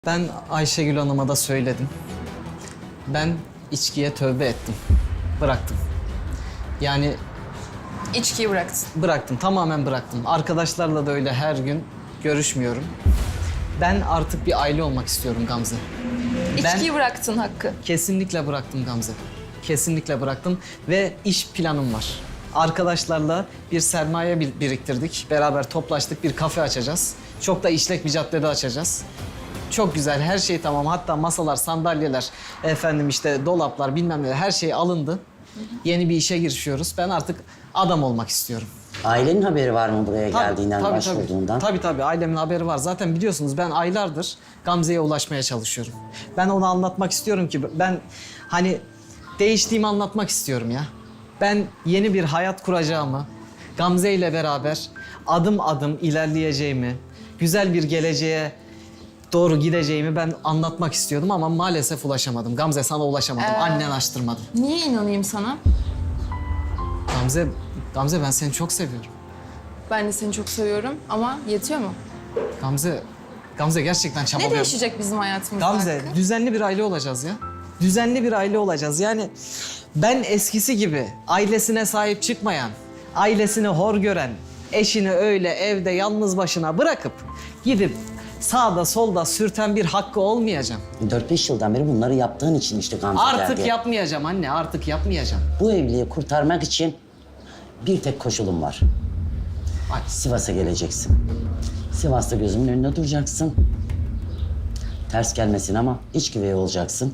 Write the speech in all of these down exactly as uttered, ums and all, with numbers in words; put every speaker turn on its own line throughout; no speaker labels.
Ben Ayşegül Hanım'a da söyledim. Ben içkiye tövbe ettim. Bıraktım. Yani
İçkiyi bıraktın.
bıraktım, tamamen bıraktım. Arkadaşlarla da öyle her gün görüşmüyorum. Ben artık bir aile olmak istiyorum Gamze.
İçkiyi bıraktın Hakkı.
Kesinlikle bıraktım Gamze. Kesinlikle bıraktım ve iş planım var. Arkadaşlarla bir sermaye bir- biriktirdik. Beraber toplaştık, bir kafe açacağız. Çok da işlek bir caddede açacağız. Çok güzel, her şey tamam. Hatta masalar, sandalyeler, efendim işte dolaplar, bilmem ne her şey alındı. Yeni bir işe girişiyoruz. Ben artık adam olmak istiyorum.
Ailenin haberi var mı buraya
Tabii,
geldiğinden,
tabii,
başvurduğundan?
Tabii tabii, tabii. Ailemin haberi var. Zaten biliyorsunuz ben aylardır Gamze'ye ulaşmaya çalışıyorum. Ben ona anlatmak istiyorum ki ben hani değiştiğimi anlatmak istiyorum ya. Ben yeni bir hayat kuracağımı, Gamze ile beraber adım adım ilerleyeceğimi, güzel bir geleceğe doğru gideceğimi ben anlatmak istiyordum ama maalesef ulaşamadım. Gamze, sana ulaşamadım.
Ee,
Annen açtırmadı.
Niye inanayım sana?
Gamze, Gamze ben seni çok seviyorum.
Ben de seni çok seviyorum ama yetiyor mu?
Gamze, Gamze gerçekten
Ne
çabalıyorum.
değişecek bizim hayatımızda
Gamze,
Hakkı?
düzenli bir aile olacağız ya. Düzenli bir aile olacağız. Yani ben eskisi gibi ailesine sahip çıkmayan, ailesini hor gören, eşini öyle evde yalnız başına bırakıp gidip sağda solda sürten bir Hakkı olmayacağım.
Dört beş yıldan beri bunları yaptığın için işte Gamze
Artık
geldi.
yapmayacağım anne, artık yapmayacağım.
Bu evliliği kurtarmak için bir tek koşulum var.
Ay,
Sivas'a geleceksin. Sivas'ta gözümün önünde duracaksın. Ters gelmesin ama iç güvey olacaksın.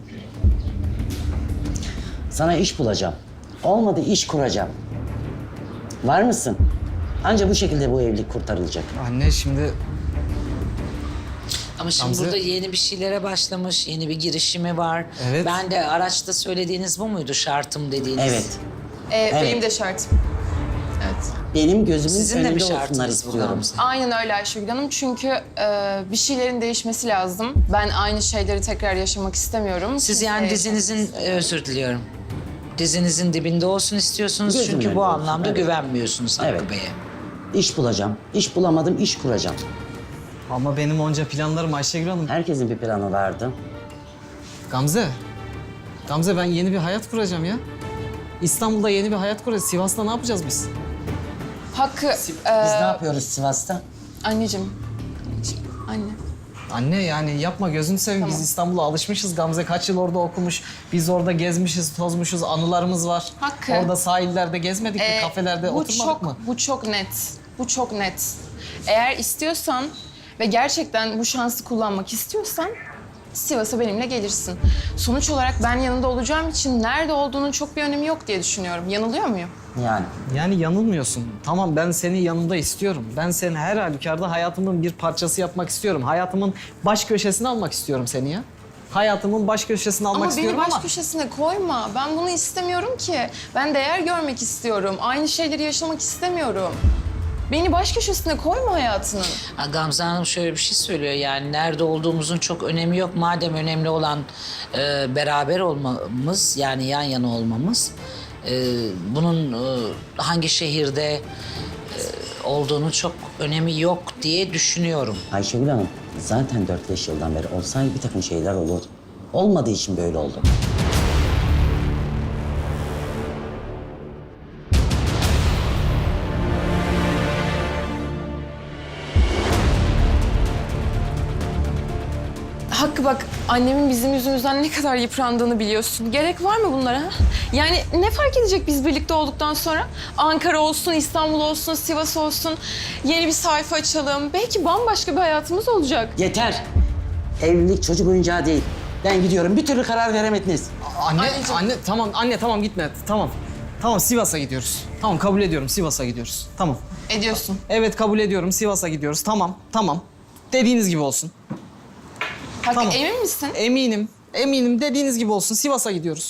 Sana iş bulacağım. Olmadı iş kuracağım. Var mısın? Anca bu şekilde bu evlilik kurtarılacak.
anne şimdi
Ama şimdi
Gamze-
burada yeni bir şeylere başlamış, yeni bir girişimi var.
Evet.
Ben de araçta söylediğiniz bu muydu, şartım dediğiniz?
Evet.
Ee, Benim de şartım. Evet.
Benim gözümün
Sizin de bir
önünde olsunlar
şartınız bu
istiyorum.
Gamze.
Aynen öyle Ayşegül Hanım. Çünkü e, bir şeylerin değişmesi lazım. Ben aynı şeyleri tekrar yaşamak istemiyorum.
Siz
Kimseye
yani dizinizin, e, özür diliyorum. Dizinizin dibinde olsun istiyorsunuz
Gözümün
çünkü bu
önünde olsun,
anlamda
evet.
güvenmiyorsunuz Hakkı
Evet.
Bey'e.
İş bulacağım. İş bulamadım, iş kuracağım.
ama benim onca planlarım Ayşegül Hanım.
Herkesin bir planı vardı.
Gamze, Gamze ben yeni bir hayat kuracağım ya. İstanbul'da yeni bir hayat kuracağız. Sivas'ta ne yapacağız biz?
Hakkı,
Biz
e,
ne yapıyoruz Sivas'ta?
anneciğim. Anneciğim, Anne.
Anne yani yapma gözünü seveyim.
Tamam.
Biz İstanbul'a alışmışız. Gamze kaç yıl orada okumuş. Biz orada gezmişiz, tozmuşuz. Anılarımız var.
Hakkı.
Orada sahillerde gezmedik mi?
Ee,
Kafelerde
bu
oturmadık
çok,
mı?
Bu çok net. Bu çok net. Eğer istiyorsan ve gerçekten bu şansı kullanmak istiyorsan Sivas'a benimle gelirsin. Sonuç olarak ben yanında olacağım için nerede olduğunun çok bir önemi yok diye düşünüyorum. Yanılıyor muyum?
Yani
Yani yanılmıyorsun. Tamam, ben seni yanımda istiyorum. Ben seni her halükarda hayatımın bir parçası yapmak istiyorum. Hayatımın baş köşesine almak istiyorum seni ya. Hayatımın baş köşesine almak
Ama beni
istiyorum
baş
ama...
köşesine koyma. Ben bunu istemiyorum ki. Ben değer görmek istiyorum. Aynı şeyleri yaşamak istemiyorum. Beni baş köşesine koyma hayatının.
Ha, Gamze Hanım şöyle bir şey söylüyor yani nerede olduğumuzun çok önemi yok. Madem önemli olan e, beraber olmamız yani yan yana olmamız. e, bunun e, hangi şehirde e, olduğunun çok önemi yok diye düşünüyorum.
Ayşegül Hanım zaten dört beş yıldan beri olsaydı bir takım şeyler olurdu. Olmadığı için böyle oldu.
Hakkı bak, annemin bizim yüzümüzden ne kadar yıprandığını biliyorsun. Gerek var mı bunlara? Ha? Yani ne fark edecek biz birlikte olduktan sonra? Ankara olsun, İstanbul olsun, Sivas olsun. Yeni bir sayfa açalım. Belki bambaşka bir hayatımız olacak.
Yeter. Evlilik çocuk oyuncağı değil. Ben gidiyorum. Bir türlü karar veremediniz.
Anne,
Anneciğim.
anne tamam, anne tamam gitme. Tamam. Tamam, Sivas'a gidiyoruz. Tamam, kabul ediyorum, Sivas'a gidiyoruz. Tamam.
Ediyorsun.
Evet, kabul ediyorum, Sivas'a gidiyoruz. Tamam, tamam. Dediğiniz gibi olsun.
Hakkı
Tamam.
emin misin?
Eminim, eminim dediğiniz gibi olsun. Sivas'a gidiyoruz.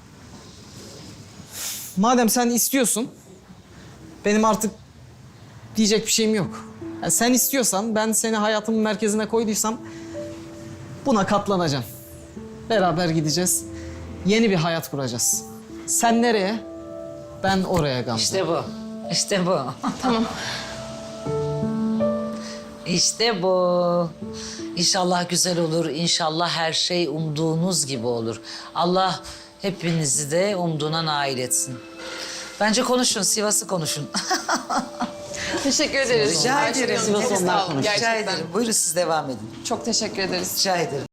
Madem sen istiyorsun, benim artık diyecek bir şeyim yok. Yani sen istiyorsan, ben seni hayatımın merkezine koyduysam buna katlanacağım. Beraber gideceğiz. Yeni bir hayat kuracağız. Sen nereye? Ben oraya Gamze.
İşte bu. İşte bu.
Tamam.
İşte bu. İnşallah güzel olur. İnşallah her şey umduğunuz gibi olur. Allah hepinizi de umduğuna nail etsin. Bence konuşun, Sivas'ı konuşun.
Teşekkür ederiz.
Rica
Ayşegül
ederim.
Hanım, çok
Sivas
sağ
onlar
olun.
konuşur.
Rica
Gerçekten.
ederim. Buyurun siz devam edin.
Çok teşekkür ederiz.
Rica ederim.